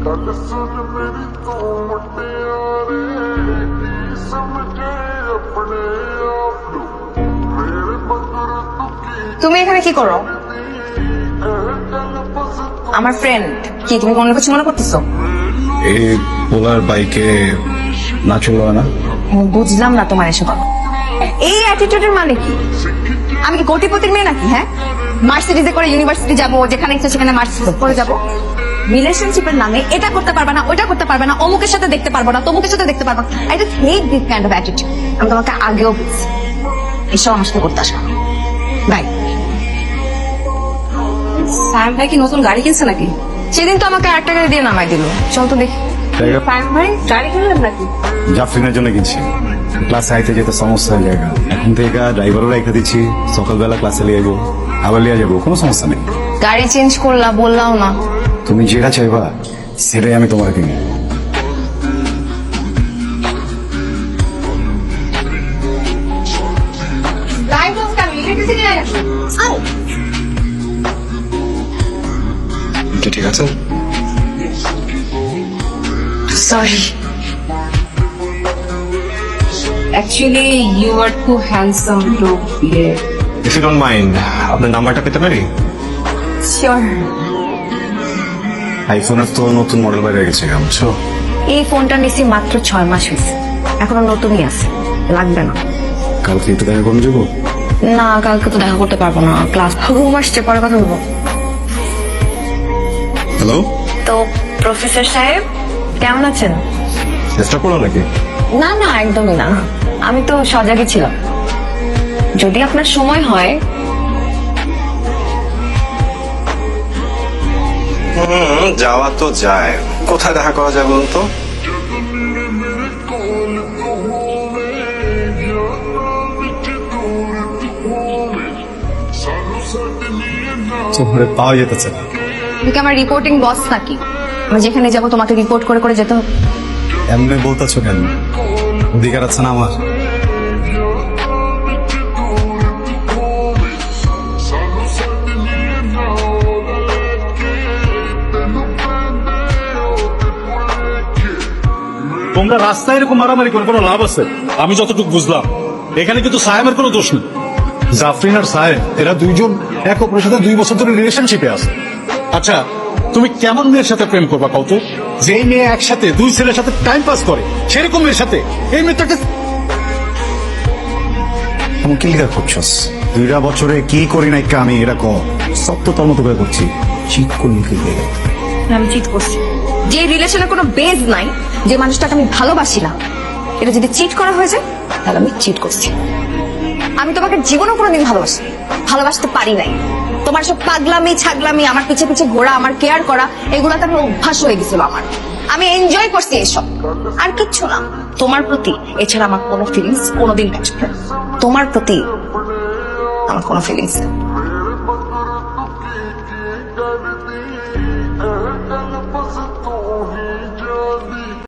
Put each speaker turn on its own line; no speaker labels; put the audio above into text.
তুমি এখানে কি করো? আমার ফ্রেন্ড। কি তুমি কোনো কিছু মনে করতেছো?
এই পোলার বাইকে না চলবে না।
বুঝলাম না তোমার এসব এই অ্যাটিটিউডের মানে কি? আমি কি কোটিপতির মেয়ে নাকি? হ্যাঁ, মার্সিডিজে করে ইউনিভার্সিটি যাবো, যেখানে ইচ্ছা সেখানে মার্সিডিজ করে যাবো। রিলেশনশিপের নামে এটা করতে পারবে না, ওইটা করতে পারবে না, অমুকের সাথে দেখতে পারবো না, তমুকের সাথে দেখতে পারবো না। I just hate this kind of attitude. আমি তোমাকে আগেও বলছি এসব আমার সাথে করতে আসবে না। বাই। সায়েম ভাই কি নতুন গাড়ি কিনছে নাকি? সেদিন তো আমাকে 8 টাকা দিয়ে নামাই দিল। চল তো দেখি। সায়েম ভাই গাড়ি কিনলেন নাকি?
জাফরিনের জন্য কিনছি। ক্লাসে আইতে যেতে সমস্যা হয়ে যায়। এখন থেকে ড্রাইভারও রেখে দিচ্ছি, সকালবেলা ক্লাসে নিয়ে যাবো, আবার নিয়ে যাবো, কোনো সমস্যা নেই।
গাড়ি চেঞ্জ করলা বললাম না?
তুমি যেটা চাইবা সেটাই আমি তোমার কিনি। ঠিক আছে।
Sorry. Actually, you are too handsome to be here.
If you don't mind, আপনার নাম্বারটা পেতে পারি?
Sure.
আইফোনের তো নতুন মডেল বাইরে গেছে, বুঝছো?
এই ফোনটা নিছি মাত্র 6 মাস হয়েছে, এখনো নতুনই আছে, লাগবে না।
কালকে একটু দেখা করে যাবো?
না, কালকে তো দেখা করতে পারবো না, ক্লাস ঘুম আসছে, পরে কথা বলবো।
হ্যালো,
তো প্রফেসর সাহেব কেমন আছেন?
চেষ্টা করো নাকি?
না না, একদমই না, আমি তো সজাগই ছিলাম। যদি আপনার সময় হয়।
যাওয়া তো যায়, কোথায় দেখা করা যায় বলুন তো? পাওয়া যেতেছে না।
তুমি কি আমার রিপোর্টিং বস নাকি? আমি যেখানে যাবো তোমাকে রিপোর্ট করে করে যেতে হবে?
এমনি বলতেছো কেন? অধিকার আছে না আমার?
তোমরা রাস্তায় এরকম মারামারি করে কোনো লাভ আছে? আমি যতটুকু বুঝলাম এখানে কিন্তু সায়েমের কোনো দোষ নেই। জাফরিন আর সায়েম এরা দুইজন এক অপরের সাথে 2 বছর ধরে রিলেশনশিপে আছে। আচ্ছা, তুমি কেমন মেয়ের সাথে প্রেম করবা কত? যেই মেয়ে একসাথে 2 ছেলের সাথে টাইম পাস করে সেরকম মেয়ের সাথে এই মেয়েটাকে
তুমি কি লিখা করছস? 2 বছরে কি করি নাই আমি এরকম সব তো তোর মতো করে করছি। চিট করলি কি?
আমি চিট করছি। যে রিলেশনের কোনো বেজ নাই, যে মানুষটাকে আমি ভালোবাসি না, এটা যদি চিট করা হয়ে যায় তাহলে আমি চিট করছি। আমি তোমাকে জীবনেও কোনোদিন ভালোবাসতে পারি নাই। তোমার সব পাগলামি ছাগলামি, আমার পিছে পিছে ঘোরা, আমার কেয়ার করা, এগুলাতে আমার অভ্যাস হয়ে গেছিল। আমি এনজয় করছি এসব, আর কিচ্ছু না। তোমার প্রতি এছাড়া আমার কোনো ফিলিংস কোনোদিন কাজ করে না। তোমার প্রতি আমার কোনো ফিলিংস নেই।